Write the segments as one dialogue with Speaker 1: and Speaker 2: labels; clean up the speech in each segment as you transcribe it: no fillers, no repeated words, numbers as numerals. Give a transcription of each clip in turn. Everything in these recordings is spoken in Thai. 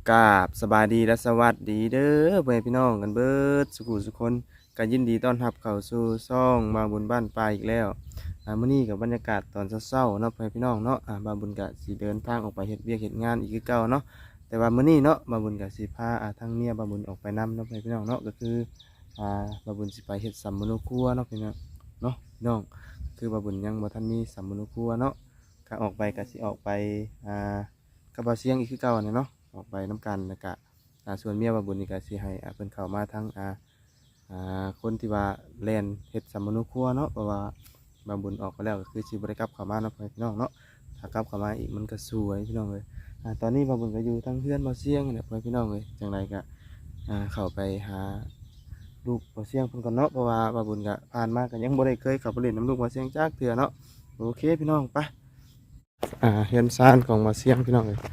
Speaker 1: กราบสบายดีและสวัสดีเด้อเพื่อนพี่น้องกันเบิดสุขุสุขคนก็ยินดีต้อนรับเข้าสู่ซ่องมาบุญบ้านปลายอีกแล้วมื้อนี้กับบรรยากาศตอนเช้าๆเนาะเพื่อนพี่น้องเนาะบาบุญกะสิเดินทางออกไปเฮ็ดเวียกเฮ็ดงานอีกคือเก่าเนาะแต่ว่ามื้อนี้เนาะบาบุญกะสิพาทั้งเมียบาบุญออกไปนำเนาะเพื่อนพี่น้องเนาะก็คือบาบุญสิไปเฮ็ดสัมมโนครัวเนาะพี่น้องเนาะพี่น้องคือบาบุญยังบ่ทันมีสัมมโนครัวเนาะก็ออกไปก็สิออกไปกับบาเสียงอีกคือเก่าเนี่ยเนาะออกไปน้ำกันแล้วก็ส่วนเมียบาบุญนี่ก็สิให้เพิ่นเข้ามาทั้งคนที่ว่าแล่นเฮ็ดสัมมโนครัวเนาะเพราะว่าบาบุญออกไปแล้วก็คือสิบ่ได้กลับเข้ามาเนาะพี่น้องเนาะถ้ากลับเข้ามาอีกมันก็สวยพี่น้องเลยตอนนี้บาบุญก็อยู่ทั้งเพื่อนบาเสียงเนี่ยพี่น้องเลยจังไรก็เข้าไปหาลูกบาเสียงเพิ่นก่อนเนาะเพราะว่าบาบุญก็ผ่านมาก็ยังบ่ได้เคยเข้าไปเล่นน้ำลูกบาเสียงจักเทื่อเนาะโอเคพี่น้องไปเฮือนซ่านของบาเสียงพี่น้องเลย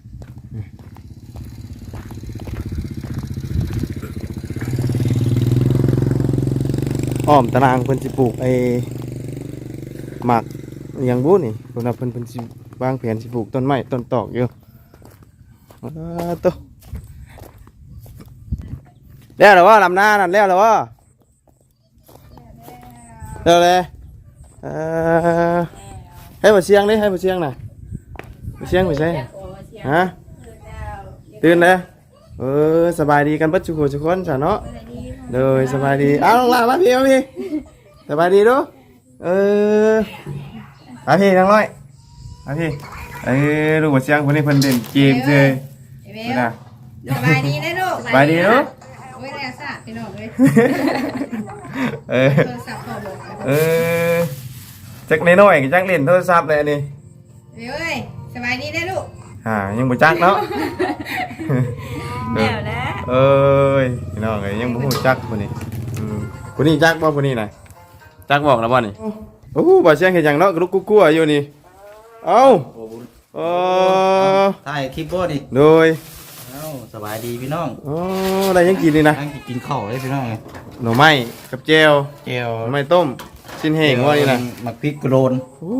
Speaker 1: อ้อมตารางเพิ่นสิปลูกหมักอหยังบุนี่เพิ่นสิวางแผนสิปลูกต้นไม้ต้นตอกอยู่ตัวแล้วเหรอว่าลำหน้านั่นแล้วเหรอว่าแล้วเลยให้บ่เชียงดิให้บ่เชียงน่ะบ่เชียงบ่ใช่ฮะตื่นเลยสบายดีกันปัจจุบันทุกคนจ้ะเนาะเลยสบายดีเอาลงล่างมาพี่สบายดีดูมาพี่นั่งร้อยมาพี่ลูกบ่เชียงคนนี้เพิ่นเด่นเกมเลยนะ
Speaker 2: สบายดีนะลูก
Speaker 1: สบายดีเนาะ
Speaker 2: โอ้ยแรงสะพี่น้องเลยโทรศัพท์พอบอก
Speaker 1: จักน้อยๆจักเล่นโทรศัพท์เลยอันนี้
Speaker 2: เว้ยสบายดีนะลูก
Speaker 1: ยังบ่จักเนาะ
Speaker 2: แน่นะ
Speaker 1: พี่น้องยังบ่ฮู้จักคนนี้คนนี้จักบ่คนนี้น่ะจักบอกแล้วบ่นี่โอ้บ่เสียงเฮ็ดหยังเนาะกระลุกกุ๊กกัวอยู่นี่เอ้า
Speaker 3: ถ่ายคลิปบ่นี่
Speaker 1: โดย
Speaker 3: สบายดีพี่น้อง
Speaker 1: ได้ยังกินนี่นะ
Speaker 3: กินข้าวเลยพี่น้อง
Speaker 1: หน่อไม้กับแจ่วหน่อไม้ต้มชิ้นแห้งว่านี่นะ
Speaker 3: หมักพริกโกรน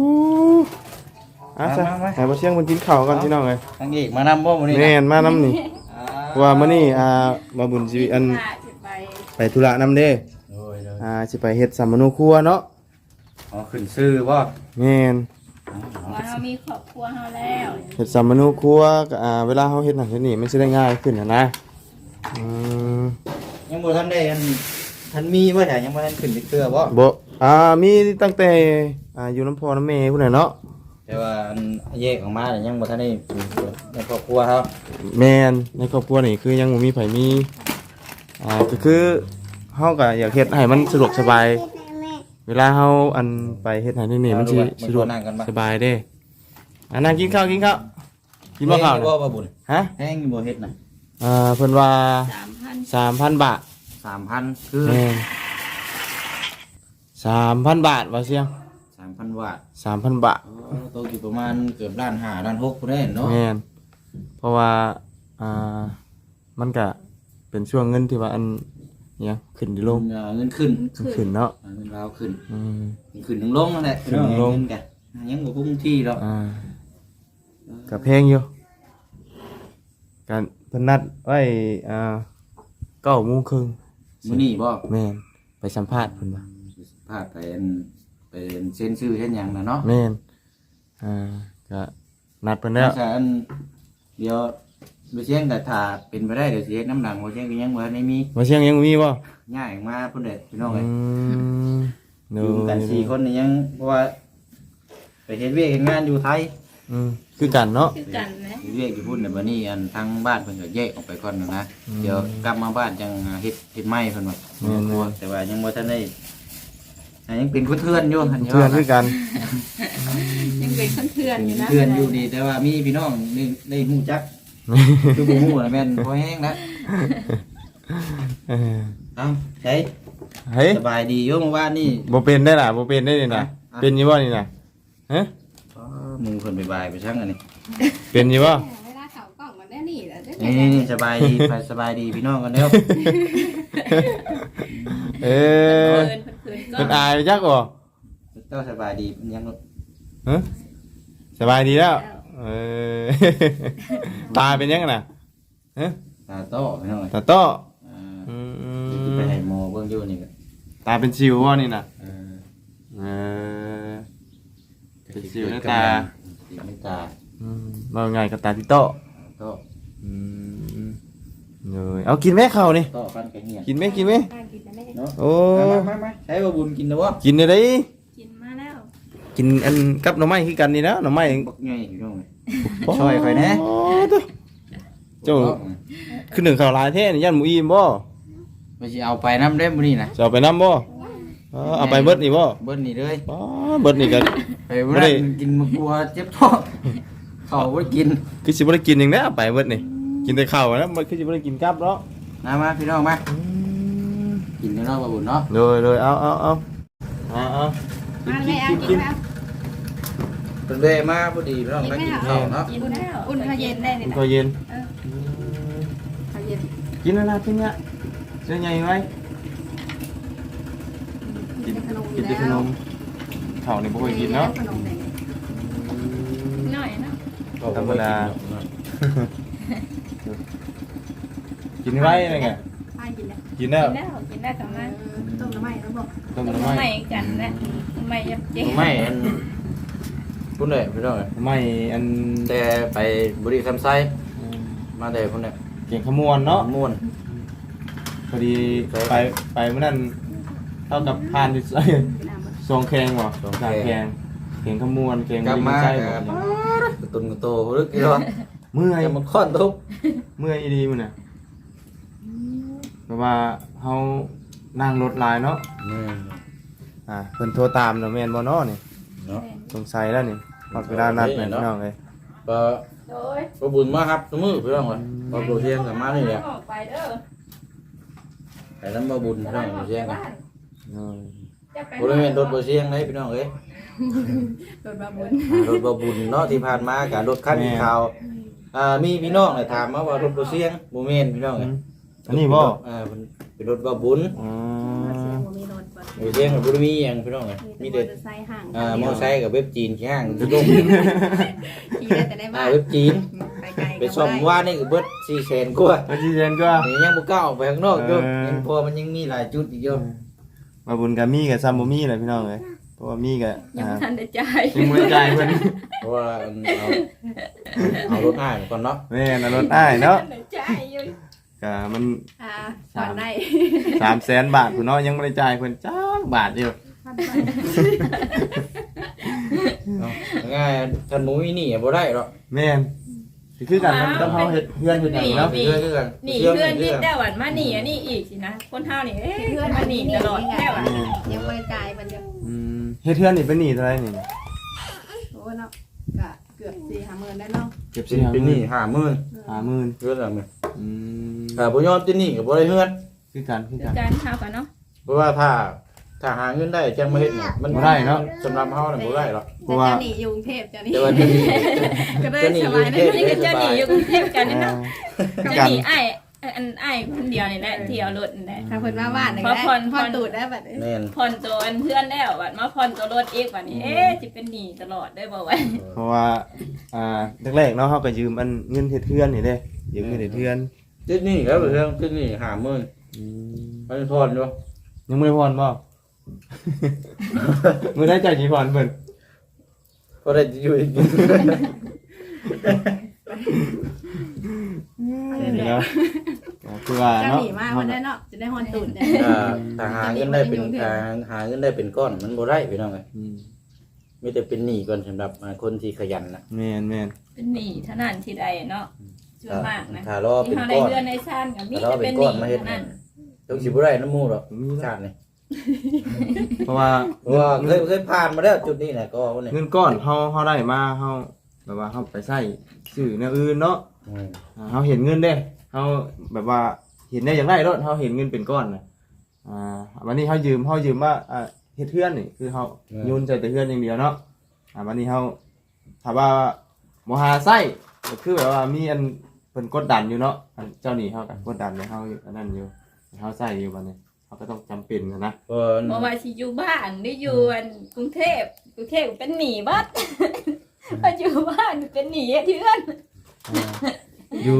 Speaker 1: ซะให้บ่เสียงมันกินข้าวก่อนพี่น้องเอ้ย
Speaker 3: ทางเอกมานำบ่มื้อนี้
Speaker 1: แม่นมานำนี่ว่ามื้อนี้มาบุญสิอันไปธุระนำเด้สิไปเฮ็ดสัมมโนครัวเนาะ
Speaker 3: ขึ้นชื่อบ่
Speaker 1: แม่น
Speaker 2: ว่าเรามีครอบครัวเฮาแล้ว
Speaker 1: เฮ็ดสัมมโนครัวก็เวลาเฮาเฮ็ดนั่นเฮ็ดนี่มันสิได้ง่ายขึ้นนะ
Speaker 3: ยังบ่ทันได้ทันมีบ่ใช่ยังบ่ทันขึ้นเทื่อบ่
Speaker 1: มีตั้งแต่อยู่น้ำพ่อน้ำแม่พุ่นน่ะเนาะ
Speaker 3: แต่ว่าแยกออกมายังบ่ทันได้ในครอบครัวเฮา
Speaker 1: แม่นในครอบครัวนี่คือยังบ่มีไผมีก็คือเฮาก็อยากเฮ็ดให้มันสะดวกสบายเวลาเฮาไปเฮ็ดให้นี่มันสิสะดวกสบายเด้นั่งกินข้าวกินบ่ข้าว
Speaker 3: บ่บ่บุญ
Speaker 1: ฮะ
Speaker 3: แห้งบ่เฮ็ดน่ะ
Speaker 1: เพิ่นว่า 3,000 บาท
Speaker 3: 3,000 คือ
Speaker 1: 3,000 บาทว่าเสียง
Speaker 3: 3,000 บาท
Speaker 1: 3,000 บาท
Speaker 3: ตกอยู่ประมาณเกือบล้าน5ล้าน6พุ่นแน่เนาะ
Speaker 1: แม่นเพราะว่ามันก็เป็นช่วงเงินที่ว่าเนี่ยขึ้นดิลง
Speaker 3: เงินขึ้
Speaker 1: นเนาะ
Speaker 3: เงินราวขึ้นขึ้นถึงลงนั่นแหละ
Speaker 1: ขึ้นลง
Speaker 3: กันยังบ่คงที่หรอก
Speaker 1: กับเพลงอยู่การเพิ่นนัดไว้9:30 น.
Speaker 3: มื้อนี้บ่
Speaker 1: แม่นไปสัมภาษณ์เพิ่นว่า
Speaker 3: สัมภาษณ์ไปเซ็นชื่อเฮ็ดหยังน่ะเนาะ
Speaker 1: แม่นก็นัดเพิ่นแล้ว
Speaker 3: เดี๋ยวบ่เชียงก็ถ้าเป็นไปได้เดี๋ยวสิเฮ็ดน้ำดังบ่เชียงก็ยังบ่ทันได้มี
Speaker 1: บ่เชียงยังมีบ่
Speaker 3: ย้ายมาพุ่นเด้อพี่น้องเอ้ยอยู่กัน4คนนี่ยังเพราะว่าไปเฮ็ดเวียกเฮ็ดงานอยู่ไทย
Speaker 1: คือกันเนาะ
Speaker 2: คือกันนะ
Speaker 3: เวียกอยู่พุ่นน่ะบัดนี้ทางบ้านเพิ่นก็แยกออกไปก่อนนะเดี๋ยวกลับมาบ้านจังเฮ็ดไม้เพิ่นว่าแต่ว่ายังบ่ทันได้ยังเป็นคนเทือนอยู่
Speaker 1: เทือนคือกัน
Speaker 2: ยังเป็นคนเทือนอยู่นะ
Speaker 3: เทือนอยู่ดีแต่ว่ามีพี่น้องได้ฮู้จักคือบ่ฮู้น่ะแม่นพอแห้งแล้วใช่สบายดีอยู่เมื่อวานนี่
Speaker 1: บ่เป็นได้ล่ะบ่เป็นได้นี่น่ะเป็นอยู่บ่นี่น่ะฮะ
Speaker 3: มึงเพิ่นไปบายไปชั่งอันนี้
Speaker 1: เป็นอยู่บ่
Speaker 2: เวลาเข้ากล้องมันได้นี่แหละ
Speaker 3: นี่สบายดีไปสบายดีพี่น้องกันเด้อ
Speaker 1: เพิ่นอายจักบ่
Speaker 3: เจ้าสบายดียัง
Speaker 1: ฮะสบายดีแล้วตาเป็นยังน่ะฮะ
Speaker 3: ตาโต้พี่น้อง
Speaker 1: ตาโต้
Speaker 3: อ่า
Speaker 1: อื
Speaker 3: สิไปให้หมอเบิ่งอยู่นี่ก็
Speaker 1: ตาเป็นสิวบ่นี่น่ะ
Speaker 3: เออ
Speaker 1: เออเป็นสิวในตา
Speaker 3: สิวในตา
Speaker 1: ว่าไงกับตาติโต้
Speaker 3: โต้
Speaker 1: อืมเลยเอากินไหมข้าวนี่
Speaker 3: โต้ฟันกระเหียน
Speaker 1: กินไหมกินไหม
Speaker 2: กินได้
Speaker 3: เนาะ
Speaker 1: โอ้
Speaker 3: มาใช้บ่บุญกินแล้วบ่
Speaker 1: กินได้
Speaker 2: กินมาแล้ว
Speaker 1: กินอันกับหน่อไม้คือกันนี่นะหน่อไม้
Speaker 3: บักใหญ่พี่น้องช่วยข่อยแน่
Speaker 1: โตัวเจ้าคือหนึ่งข้าวหลายแท้นี่ยันหมูอิ่มบ่
Speaker 3: ไปสิเอาไปน้ำเด้มื้อนี้นะ
Speaker 1: จะเอาไปน้ำบ่เอาไปเบิดนี่บ่
Speaker 3: เบิ่นนี่เลย
Speaker 1: อ๋อเบิดนี่กัน
Speaker 3: ไปบ่ได้กินมากลัวเจ็บท้องเขาบ่กิน
Speaker 1: คือสิบ่ได้กินอย่างนี้เอาไปเบิดนี่กินแต่ข้าวนะมันคือสิบ่ได้กินกับเนาะ
Speaker 3: มาพี่น้องมากินแล้วเนาะบ่บุญเนาะ
Speaker 1: เลยเอากิ
Speaker 2: มาน แม่เอา
Speaker 1: กิน
Speaker 2: กิ
Speaker 1: กิ
Speaker 2: น
Speaker 1: น
Speaker 2: แล้ว
Speaker 3: เป็นเวมาพอดีพี่น้องได้กินข้าวเนาะ
Speaker 2: กินแล้วอุ่นข้าวเย็นได้นี่
Speaker 1: ก็เย็น
Speaker 2: ข้าวเย็น
Speaker 1: กินแล้วนะกินเนี่ยเสื้อใหญ่ไหมกินแต่ขนมข้าวนี่บ่ค่อยกินเนาะ
Speaker 2: หน่อยเนาะ
Speaker 1: ธรรมดา กินไว้อะไรไง
Speaker 2: ไปกินแล้ว
Speaker 1: กินแล้ว
Speaker 2: กินได้กับมัน
Speaker 4: ต้มน้ำไหม้แล้วบอก
Speaker 1: ต้ม
Speaker 2: ต้
Speaker 1: น้ำ
Speaker 2: ม
Speaker 1: ไม้
Speaker 2: ใหม่กันนะใหม่ยับเจ๊
Speaker 3: ไม่อันพุ่นเลยพี่น้อง
Speaker 1: ไม้อัน
Speaker 3: แต่ไปบุรีคำไซมาแต่พุ่นเนี่ย
Speaker 1: เก่งขมวนเนาะ
Speaker 3: ม่วน
Speaker 1: พอดีไปเมื่อนั้นเท่ากับผ่านอยู่ซองแขงบ่ซองแขงเก่งขมวนเก่ง
Speaker 3: กลับมา
Speaker 1: ใช่
Speaker 3: กั
Speaker 1: บ่
Speaker 3: บตุนกับโตรึกกี่รอบ
Speaker 1: เมื่อย
Speaker 3: จะมาค้อนทุบ
Speaker 1: เมื่อยอีดีมันน่ะเพราะว่าเฮานั่งรถหลายเนาะเพิ่นโทรตามเนาะแม่นบ่เนาะนี่
Speaker 3: เนาะ
Speaker 1: สงสัยแล้วนี่พอเวลานัดแม่นพี่น้องเอ้ย
Speaker 3: ก็
Speaker 2: โดย
Speaker 3: ก็บุญมากครับสมือพี่น้องเลยพอโปรเทียงกับมานี่แหละ
Speaker 2: ออกไปเด้อ
Speaker 3: แต่นั้นมาบุญพี่น้องโปรเทียงกัน
Speaker 1: เนาะ
Speaker 3: บริเวณรถโปรเทียงเลยพี่น้องเอ้ย
Speaker 2: โดนบาบุญ
Speaker 3: รถบบุญเนาะที่ผ่านมากับรถคันข่าวมีพี่น้องเลยถามมาว่ารถโปรเทียงโมเมนพี่น้องเลย
Speaker 1: อันนี้บ่
Speaker 3: เป็นรถบบุญ
Speaker 1: อ๋อ
Speaker 4: เสียงบ่มีรถบ่
Speaker 3: โปรเทียงกับบุรีมีอย่างพี่น้องเลยมีเด็ด
Speaker 4: ใส่ห่าง
Speaker 3: มอไซค์กับเว็บจีนข้างทุก
Speaker 4: ขี่ได้แต่ในบ้าน
Speaker 3: เว็บจีน
Speaker 4: ไปไกล
Speaker 3: ไปซ่อมว่านี่ก็เบิด400,000กว่า
Speaker 1: ไปจีเจนก็
Speaker 3: นี่ยังบ่กล้าออกไปข้างนอกอยู่ยังพอมันยังมีหลายจุดอีกอยู่
Speaker 1: มาบุญกับมีกับซัมบ่มีเลยพี่น้องเอ้ยเพราะว่ามีกับ
Speaker 2: ยังไม่ทันได้จ่าย
Speaker 1: ยังบ่ได้จ่ายเพิ่น
Speaker 3: เพราะว่าเอารถอ้ายก่อนเนาะ
Speaker 1: แม่นรถอ้ายเนาะ
Speaker 2: ได้จ่ายอยู่
Speaker 1: ก็มัน
Speaker 2: ผ่อนได้
Speaker 1: 300,000 บาทพุ่นเนาะยังบ่ได้จ่ายเพิ่นจักบาทเดียว
Speaker 3: ง่ายท่านหมูอีนี่บ่ได้หรอก
Speaker 1: แม่นสิคือกันต้องเฮาเฮ็ดเฮือนเฮ็ดหยังเนาะ
Speaker 3: เพื่อนกัน
Speaker 2: หนีเพื่อนนิดได้หวันมาหนีอันนี้อีกสินะคนเท่านี่เพื่อนมาหนีตลอดแค่วัน
Speaker 4: ยังบ่ได้จ่ายมันจะ
Speaker 1: เฮ็ดเฮือนนี่เป็นหนี้เท่าไหร่นี่
Speaker 4: โอ้เนาะก็เกือบ4-5,000ได้เนาะ
Speaker 1: เก็บ
Speaker 3: เป็นหนี้50,000
Speaker 1: 50,000
Speaker 3: เพื่อนละมื้อ
Speaker 1: อืม
Speaker 3: ถ้าบ่ยอมเป็นหนี้ก็บ่ได้เฮือน
Speaker 1: คือกัน
Speaker 2: การเท่ากันเนาะ
Speaker 3: เพราะว่าถ้าหาเงินได้จังมาเฮ็ดเนี่ยมัน
Speaker 1: บ่ได้เนาะ
Speaker 3: สำหรับเฮาน่ะบ่ได้หรอก
Speaker 1: เพราะว่า
Speaker 4: เจ้าหนี้อยู่กรุงเทพเจ้าหนี้
Speaker 3: แต่ว่าจะหนี้
Speaker 4: ก็ได้
Speaker 3: เจ้าหนี้
Speaker 4: ส
Speaker 3: อยู่
Speaker 4: บาย
Speaker 3: เท
Speaker 4: ได้
Speaker 3: พ
Speaker 2: นี่ก็จะหนีอยู่กรุงเทพกันนี่เนาะ
Speaker 1: คือ
Speaker 2: จะ
Speaker 1: กัน
Speaker 2: หนีไอ้อันไอ้คนเดียวนี่แหละเที่ยวรถนี่แหละ
Speaker 4: ถ้าเพิ่นมาบ้านนี่
Speaker 2: พอ
Speaker 4: ได้
Speaker 2: ผ่อน
Speaker 4: ผ่อนตูดได้บัดนี้
Speaker 3: แม่น
Speaker 2: ผ่อนตัวอันเพื่อนแล้วบัดมาผ่อนตัวรถอีกบัดนี้จะเป็นหนีตลอดได้บ่ไว้
Speaker 1: เพราะว่าแรกๆเนาะเฮาก็ยืมอันเงินเฮ็ดเฮือนนี่เด้ยืมเงินเฮ็ดเฮือน
Speaker 3: ติดหนี้แล้วเรื่องติดหนี้50,000มันผ่อนอยู่
Speaker 1: ยังบ่ได้ผ่อนบ่ มื้อได้จ่ายกี่ผ่อนเพิ่น
Speaker 3: ก็ได้อยู่อีก
Speaker 1: นี่เนาะคือว่า
Speaker 4: เจ้า
Speaker 1: เนาะ
Speaker 4: หนี้มาเพิ่นได้เนาะจะได้ผ่อนตูดได้
Speaker 3: ถ้าหาเงินได้เป็นหาเงินได้เป็นก้อนมันบ่ได้พี่น้องเอ้ย
Speaker 1: อืม
Speaker 3: มีแต่เป็นหนี้ก่อนสำหรับคนที่ขยันนะ
Speaker 1: แม่น
Speaker 2: เป็นหนีเท่านั้นที่ใดเนาะส่วนมากนะ
Speaker 3: ถ้ารอ
Speaker 2: ที่
Speaker 3: เป็น
Speaker 2: เฮาได้
Speaker 3: ก้อน
Speaker 2: เดือนในซ่านกับมี
Speaker 3: ถ้ารอ
Speaker 2: จะ
Speaker 3: เป็
Speaker 2: เป็น นห
Speaker 3: ก้อ
Speaker 2: นี
Speaker 3: นมาเฮ็ด
Speaker 2: เท่านั้น
Speaker 3: ต้องสิบ่ได้น้ำมูกหรอกชาตินี่
Speaker 1: เพราะว่า
Speaker 3: เพราะว่าเคยผ่านมาแล้วจุดนี้แหละก็เนี่ย
Speaker 1: เงินก้อนเฮาได้มาเฮาแบบว่าเฮาไปใช้ซื้อแนวอื่นเนาะเฮาเห็นเงินเด้เฮาแบบว่าเห็นได้อย่างไรรถเฮาเห็นเงินเป็นก้อนน่ะวันนี้เฮายืมว่าเฮ็ดเฮือนนี่คือเฮาโยนใส่แต่เฮือนอย่างเดียวเนาะวันนี้เฮาถ้าว่าบ่หาใช้ก็คือแบบว่ามีอันเพิ่นกดดันอยู่เนาะอันเจ้านี่เฮาก็กดดันให้เฮาอันนั้นอยู่เฮาใช้อยู่บัดนี้เฮาก็ต้องจำเป็นนะ
Speaker 3: ก็
Speaker 2: บ่ว่าสิอยู่บ้านหรืออยู่อันกรุงเทพเป็นหนีบัด พออยู่บ้านเป็นหนีเทือน
Speaker 1: อยู่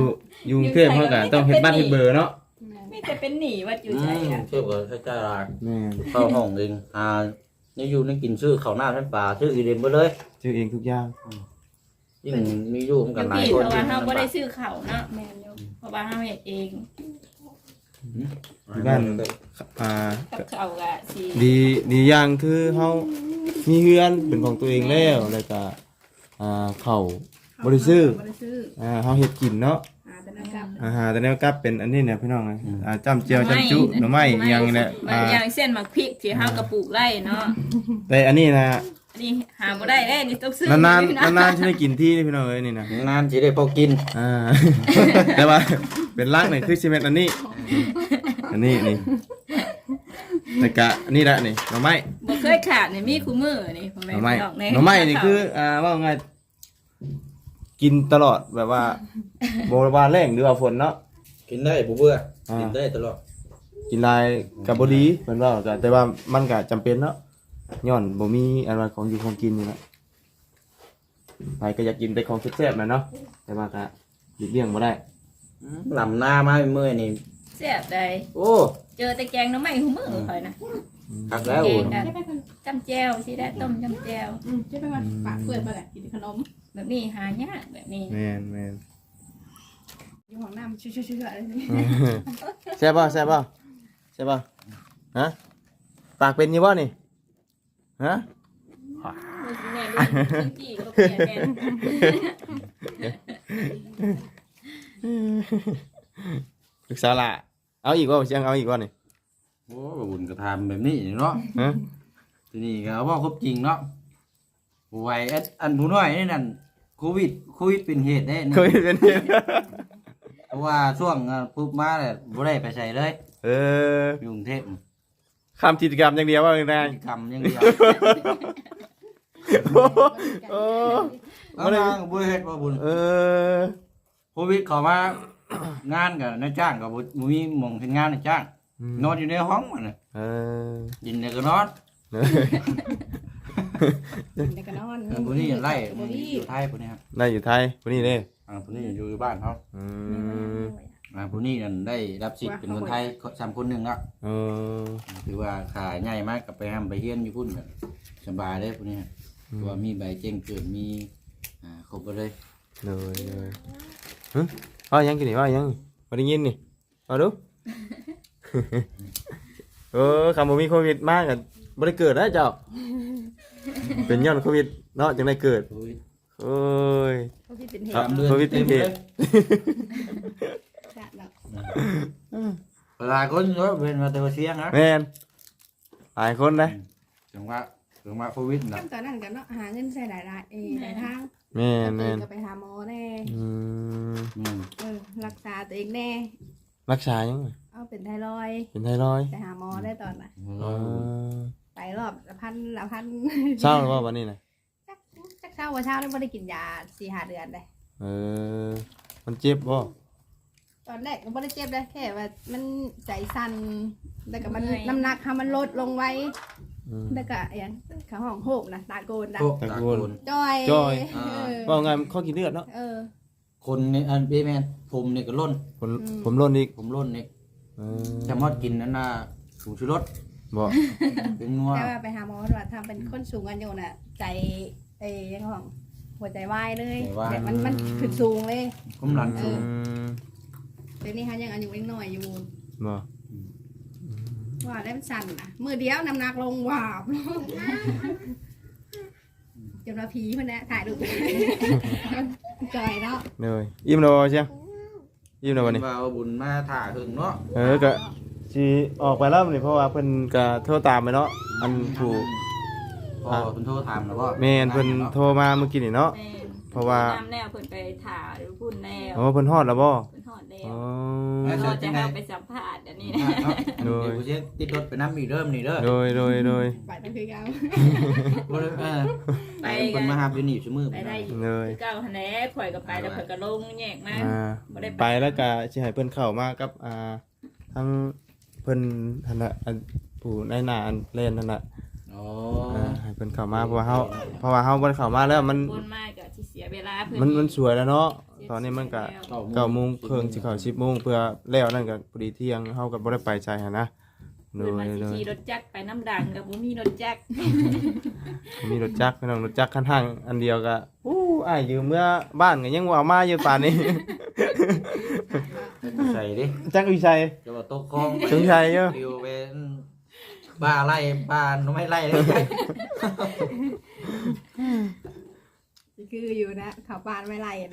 Speaker 1: อยู่กรุงเทพเฮาก็ต้องเฮ็ดบ้านเฮ็ดเบอร์เนาะ
Speaker 2: ไม่แต่เป็นหนีว่าอยู่ใจอ่ะ
Speaker 3: เทียบกับใช้จ่ายหลาย
Speaker 1: แม่น
Speaker 3: เข้าห้องเองนี่อยู่นี่กินซื้อข้าวหน้าท่านปลาซื้ออีเดนไปเลย
Speaker 1: ซื้อเองทุกอย่าง
Speaker 3: ยิ่งมีอยู่มัน
Speaker 2: อ
Speaker 3: กัน
Speaker 2: ยู่
Speaker 3: หลาย
Speaker 2: พี่
Speaker 3: คน
Speaker 2: เพราะว่าเฮาบ่ได้
Speaker 3: ซื้อ
Speaker 2: ซื้อข้าวเนาะแม่นอยู่เพราะว่าเฮาเฮ็ดเอง
Speaker 1: ที่บ้านอ่า
Speaker 2: กับข้าวก็สิ
Speaker 1: ดีอย่างคือเฮามีเฮือนเป็นของตัวเองแล้วแล้วก็ข้าวบ่ได้ซื้อ
Speaker 4: บ่ได้ซื้อ
Speaker 1: เฮาเฮ็ดกินเนาะ
Speaker 4: แต่นั่นกับ
Speaker 1: อาหารแต่แนวกลับเป็นอันนี้เนี่ยพี่น้องจ้ำเจียวจ้ำจุหน่อไม้อีหยังเนี่ย
Speaker 2: อย่างเส้นหมักพริกที่เฮากระปลูกไร่เนาะ
Speaker 1: แต่อันนี้นะ
Speaker 2: อันนี้หาบ่ได้เด้นี่ต้องซื้อน
Speaker 1: านๆนานๆที่ได้กินที่นี่พี่น้องเอ้ยนี่นะ
Speaker 3: งานจะได้พอกิน
Speaker 1: แต่ว่าเป็นรักเนี่ยคือซีเมนต์อันนี้นี่แต่กะอันนี้แหละนี่หน่อไม้
Speaker 2: บ่เคยขาดนี่มีคู่มือนี่พ่อ
Speaker 1: ห
Speaker 2: แม่
Speaker 1: น่อไม้
Speaker 2: พี่น้อง
Speaker 1: หน่อไม้นี่คือว่าไงกินตลอดแบบว่าโบราณแรงหรือว่าฝนเนาะ
Speaker 3: กินได้บ่เบื่อกินได้ตลอด
Speaker 1: กินลายกับบดีเหมือนว่าก็แต่ว่ามันก็จำเป็นเนาะย้อนบ่มีอะไรของอยู่ของกินนี่แหละไปก็อยากกินแต่ของแซ่บๆนะเนาะแต่ว่าก็หลีกเลี่ยงบ่ได้
Speaker 3: ลำหน้ามาเมื่อยนี่
Speaker 2: แซ่บได้
Speaker 3: โอ้
Speaker 2: เจอแต่แกงหน่อไม้คู่มือข่อยนะ
Speaker 3: หักแล้ว
Speaker 2: แกงกันจำแจ่วสิได้ต้มจำแจ่ว
Speaker 4: จะไปว่าปากเปิดมาแหละกินขนม
Speaker 2: แบบนี้หายากแบบนี้
Speaker 1: แม่น
Speaker 4: อยู่ห้องน้ำชื่อๆอะไรนี่
Speaker 1: แซ่บป่ะฮะปากเป็นอยี่บ่นี่ฮะ
Speaker 2: แม่ลูกชิ้นจี้ก็เปลี่ยนแม่
Speaker 1: ลูกสาวละเอาอีกว่าเอาอีกว่านี่
Speaker 3: โอ้บุญกระทำแบบนี้เนาะ
Speaker 1: ฮะ
Speaker 3: ทีนี้ก็ว่าครบจริงเนาะไวอันผู้น้อยนี่นั่นโควิดเป็นเหตุได้นี่
Speaker 1: เคยเป็นเหตุ
Speaker 3: เพราะว่าช่วงปุ๊บมาเลยบ่ได้ไปใส่เลย
Speaker 1: อยู่
Speaker 3: กรุงเทพ
Speaker 1: คำกิจกรรมอย่างเดียวว่าอย่างไร
Speaker 3: กิจกรรมอย่างเดียว
Speaker 1: โอ้
Speaker 3: เอามาก็บ่ได้เฮ็ดบ่บุญ โควิดเข้ามางานกับนายจ้างกับบ่มีหม่องเฮ็ดงานนายจ้างนอนอยู่ในห้องมันน่ะกินแล้วก็นอน
Speaker 4: แต่ก็นอน
Speaker 3: ผู้นี้ไล่อยู่ไทยผู้นี้ครับ
Speaker 1: ได้อยู่ไทยคนนี้เด้
Speaker 3: ผู้นี้อยู่บ้านเขาผู้นี้นั่นได้รับสิทธิ์เป็นคนไทย3คนหนึงแล้วถือว่าขาใหญ่มากกับไปห้ำไปเฮียนอยู่พุ่นกันสบายเลยผู้นี้เพราะว่ามีใบแจ้งเกิดมีครบเลย
Speaker 1: เลยว่ายังกินนี่ว่ายังมาได้ยินนี่มาดูคำว่ามีโควิดมากกันบ่ได้เกิดนะเจ้าเป็นย้อนโควิดเนาะจังได้เกิดโอ้ย
Speaker 4: เขาที่เป็นเห
Speaker 1: ครับ
Speaker 4: ตุ
Speaker 1: โควิดเป็นเหตุ
Speaker 4: จัดแล้ว
Speaker 3: หลายคนเยอะเป็นมาเตอเสียงนะ
Speaker 1: แม่นหลายคนนะ
Speaker 3: ถึงว่าโควิดนะ
Speaker 4: ขั้นตอนนั้นกันเนาะหาเงินใส่หลายทาง
Speaker 1: แม่น
Speaker 4: ก็ไปหาหมอแน่ รักษาตัวเองแน่
Speaker 1: รักษายังไง
Speaker 4: เอาเป็นไทรอยด์
Speaker 1: เป็นไทรอยด์
Speaker 4: ไปหาหมอได้ตอนน่ะไปรอบละพัน
Speaker 1: เศร้าหรือว่าวันนี้นะ
Speaker 4: จักเช้าว่าเช้านี่ไม่ได้กินยา4-5 เดือนเลย
Speaker 1: มันเจ็บบ่
Speaker 4: ตอนแรกก็ไม่ได้เจ็บเลยแค่ว่ามันใจสั่นแล้วก็มันน้ำหนักค่ะมันลดลงไว้แล้วก็อย่างขาห้องโหกนะตาโกนนะ
Speaker 1: ตะโกน
Speaker 4: จอย
Speaker 1: ว่าไงข้อกินเลือดเนาะ
Speaker 3: คนนี่อันเบแมนผมนี่ก็ล้น
Speaker 1: ผมร่นอีก
Speaker 3: ผมล้นนี่จะมอดกินนั่นน่ะสูงชูรส
Speaker 1: บ่
Speaker 3: เป็นนัว
Speaker 4: แต่ว่าไปหาหมอว่าทำเป็นคนสูงอายุน่ะใจยังของหัวใจวายเลยแต่มันขึ้นสูงเลย
Speaker 3: กำลังสูง
Speaker 4: เดี๋ยวนี้ฮะยังอายุยังน้อยอยู่
Speaker 1: บ่
Speaker 4: ว่าแล้วมันสั่นนะมือเดียวน้ำหนักลงวาบจนว่าผีมันนะถ่ายรูปจอยเนาะ
Speaker 1: เลยอิ่มแล้วบ่เชียงอิ่มแล้วบ่นี่
Speaker 3: ว่าบุญมาถ่าถึงเนาะ
Speaker 1: ก็สิออกไปแล้วนี่เพราะว่าเพิ่นก็โทรตามไปเนาะอันถูก
Speaker 3: พอคุณโทรถามแล้วว่า
Speaker 1: แม่นเพิ่นโทรมาเมื่อกี้นี่เนาะ
Speaker 2: แม่
Speaker 1: เพราะว่า
Speaker 2: น้ำแนวเพิ่นไปถ่าหรือพุ่นแนว
Speaker 1: เพิ่นฮอดแล้วบ่
Speaker 2: เพิ่นฮอดแล้ว
Speaker 1: อ๋อ
Speaker 2: เราจะให้ไปสัมภาษณ์อันนี้นะ
Speaker 3: เดี๋ยวกูเช็คติดรถไปน้ำมีเริ่มนี่เด้อ
Speaker 1: โดย
Speaker 4: ไปนั่นคือเขา
Speaker 3: ไปคนมาหาอยู่นี่ชั่วมือ
Speaker 2: ไปได้อยู่
Speaker 1: เลย
Speaker 2: คือเก้าคะแนนข่อยก็ไปแล้วข่อยก็ลงแยกมา
Speaker 1: ไปแล้วก็สิให้เพิ่นเข้ามากับทั้งเพิ่นหั่นน่ะผู้ในหน้าอันเล่นนั่นน่ะ
Speaker 3: อ๋อ
Speaker 1: ให้เพิ่นเข้ามาเพราะว่าเฮาบ่ได้เข้ามาแล้วมัน
Speaker 2: คนมากก็สิเสียเวลาเพิ่น
Speaker 1: มันสวยแล้วเนาะ
Speaker 2: เสีย
Speaker 1: ตอนนี้มันก็
Speaker 3: 9:30
Speaker 1: 9:30สิเข้า10:00เพื่อแล้วนั่นก็พอดีเที่ยงเฮาก็บ่ได้ไปใจหั่นนะโด
Speaker 2: เดิน
Speaker 1: ย
Speaker 2: มา
Speaker 1: โดย
Speaker 2: ขี่รถจักรไปน้ำดังกับบ่มีรถจักร
Speaker 1: มีรถจักรพี่น้องรถจักรคันห้างอันเดียวก็อ้ายยืมเมื่อบ้านก็ยังบ่เอามาอยู่ป่านนี้
Speaker 3: ใส่ดิ
Speaker 1: จักรวิชัย
Speaker 3: จะว่าตกคลองไป
Speaker 1: จักรวิชัยเด้อ
Speaker 3: อยู่เป็นบ้าไล่บ้านไม่ไล่เลย
Speaker 4: คืออยู่นะเขาปานไม่ไล่นะ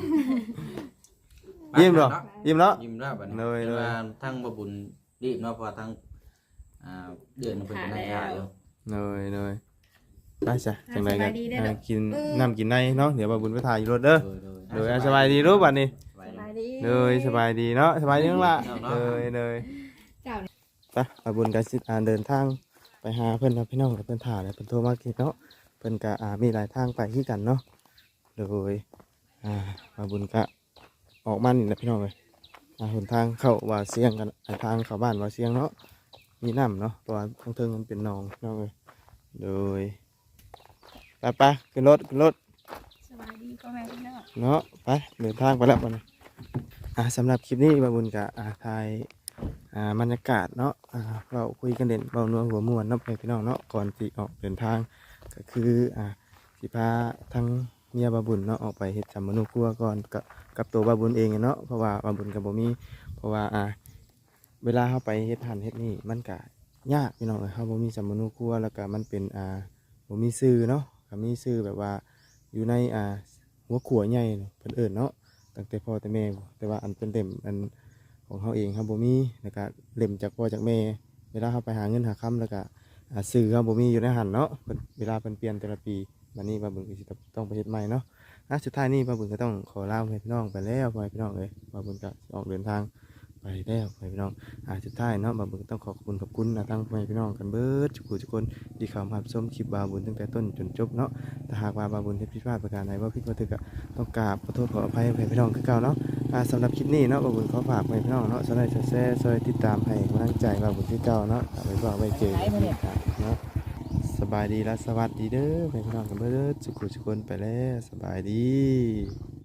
Speaker 1: ยิ้มเหรอยิ้มเนาะ
Speaker 3: ยิ้มแล้วบัดนี้
Speaker 1: เลย
Speaker 3: แต่ว่าทั้งบ่บุญรีบเนาะเพราะว่าทั้งเดือนมันเป็นนักยาอยู่
Speaker 1: เลยไปจ้ะจังไดกันกินน้ำกินในเนาะเดี๋ยวบ่าบุญไปถ่ายอยู่รถเด้อเลยสบายดีรู้บัดนี้
Speaker 3: สบาย
Speaker 4: ส
Speaker 3: ดี
Speaker 4: บายดี
Speaker 1: เลยสบายดีเนาะสบายดีน้องละ
Speaker 3: เนาะ
Speaker 1: เลย
Speaker 4: เจ้าเนี่ย
Speaker 1: ไปบ่าบุญก็สิเดินทางไปหาเพิ่นเนาะพี่น้องเพิ่นถ่ายแล้วเพิ่นโทรมากินเนาะเพิ่นก็มีหลายทางไปคือกันเนาะโดยบ่าบุญก็ออกมานี่แหละพี่น้องเอ้ยหนทางเข้าว่าเสียงกันทางเข้าบ้านว่าเสียงเนาะมีน้ำเนาะเพราะว่าทางเทิงมันเป็นหนองพี่น้องเอ้ยโดยไปขึ้นรถ
Speaker 2: สบายดีพ่อแม่พี่น้อง
Speaker 1: เนาะไปเดินทางไปแล้ววันนี้สำหรับคลิปนี้บาบุญกับถ่ายบรรยากาศเนาะเราคุยกันเด่นเบานัวหัวม่วนเนาะไปพี่น้องเนาะก่อนที่ออกเดินทางก็คือสิพาทั้งเมียบาบุญเนาะออกไปเฮ็ดจำมนุครัวก่อนกับตัวบาบุญเองเนาะเพราะว่าบาบุญกับบ่มีเพราะว่าเวลาเข้าไปเฮ็ดหันเฮ็ดนี่มันก็ยากพี่น้องเขาบ่มีจำมนุครัวแล้วก็มันเป็นบ่มีชื่อเนาะก็มีชื่อแบบว่าอยู่ในหัวขัวใหญ่เพิ่นเอิ้นเนาะตั้งแต่พ่อแต่แม่แต่ว่าอันเป็นเล่มอันของเขาเองครับบ่มีแล้วก็เล่มจากพ่อจากแม่เวลาเขาไปหาเงินหาคำแล้วก็ซื้อเขาบ่มีอยู่ในหันเนาะเวลาเพิ่นเปลี่ยนแต่ละปีวันนี้บาบุญก็สิต้องไปเฮ็ดใหม่เนาะสุดท้ายนี้บาบุญก็ต้องขอลาพี่น้องไปแล้วพี่น้องเอ้ยบาบุญก็ออกเดินทางไปแล้วพี่น้องสุดท้ายเนาะบาบุญก็ต้องขอบคุณทั้งพี่น้องกันเบิดทุกคนที่เข้ามารับชมคลิปบาบุญตั้งแต่ต้นจนจบเนาะถ้าหากว่าบาบุญเฮ็ดผิดพลาดประการใดว่าผิดว่าถูกก็ต้องกราบขอโทษขออภัยพี่น้องคือเก่าเนาะสำหรับคลิปนี้เนาะบาบุญขอฝากพี่น้องเนาะช่วยแชร์ช่วยติดตามให้กำลังใจบาบุญคือเก่าเนาะไว้บอกไว้เจอกันเนาะสบายดีและสวัสดีเด้อพี่น้องกันเบิดทุกคนไปแล้วสบายดี